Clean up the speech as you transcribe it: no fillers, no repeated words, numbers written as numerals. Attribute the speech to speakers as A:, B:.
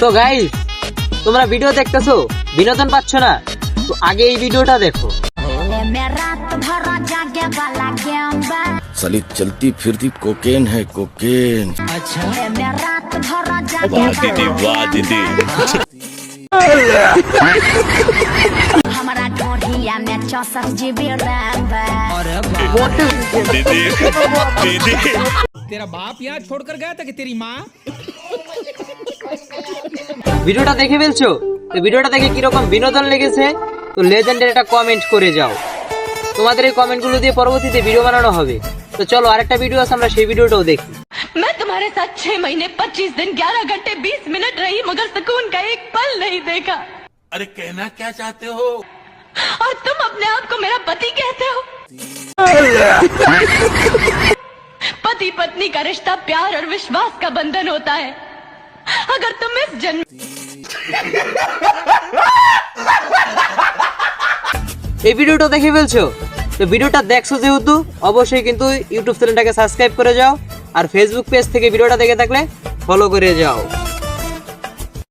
A: তো গাইস, তোমরা ভিডিও দেখতেছো, বিনোদন পাচ্ছ না? তো আগে এই ভিডিওটা দেখো।
B: साली चलती फिरती कोकेन है कोकेन। वाह दीदी वाह दीदी।
C: हमारा ढोढ़िया में 64 GB रैम है।
B: दीदी दीदी
D: तेरा बाप यहाँ छोड़कर गया था कि तेरी माँ?
A: ভিডিওটা দেখে ফেলছো? তো ভিডিওটা দেখে কিরকম বিনোদন লেগেছে তো লেজেন্ডের একটা কমেন্ট করে যাও। তোমাদের এই কমেন্টগুলো দিয়ে পরবর্তীতে ভিডিও বানানো হবে। তো চলো আরেকটা ভিডিও আছে, আমরা সেই ভিডিওটাও দেখি।
E: मैं तुम्हारे साथ 6 महीने 25 दिन 11 घंटे 20 मिनट रही, मगर सुकून का एक पल नहीं देखा।
F: अरे कहना क्या चाहते हो?
E: और तुम अपने आप को मेरा पति कहते हो? पति पत्नी का रिश्ता प्यार और विश्वास का बंधन होता है। अगर तुम इस जन्म
A: এই ভিডিওটা দেখে ফেলছো? তো ভিডিওটা দেখছো যেহেতু অবশ্যই কিন্তু ইউটিউব চ্যানেলটাকে সাবস্ক্রাইব করে যাও, আর ফেসবুক পেজ থেকে ভিডিওটা দেখে থাকলে ফলো করে যাও।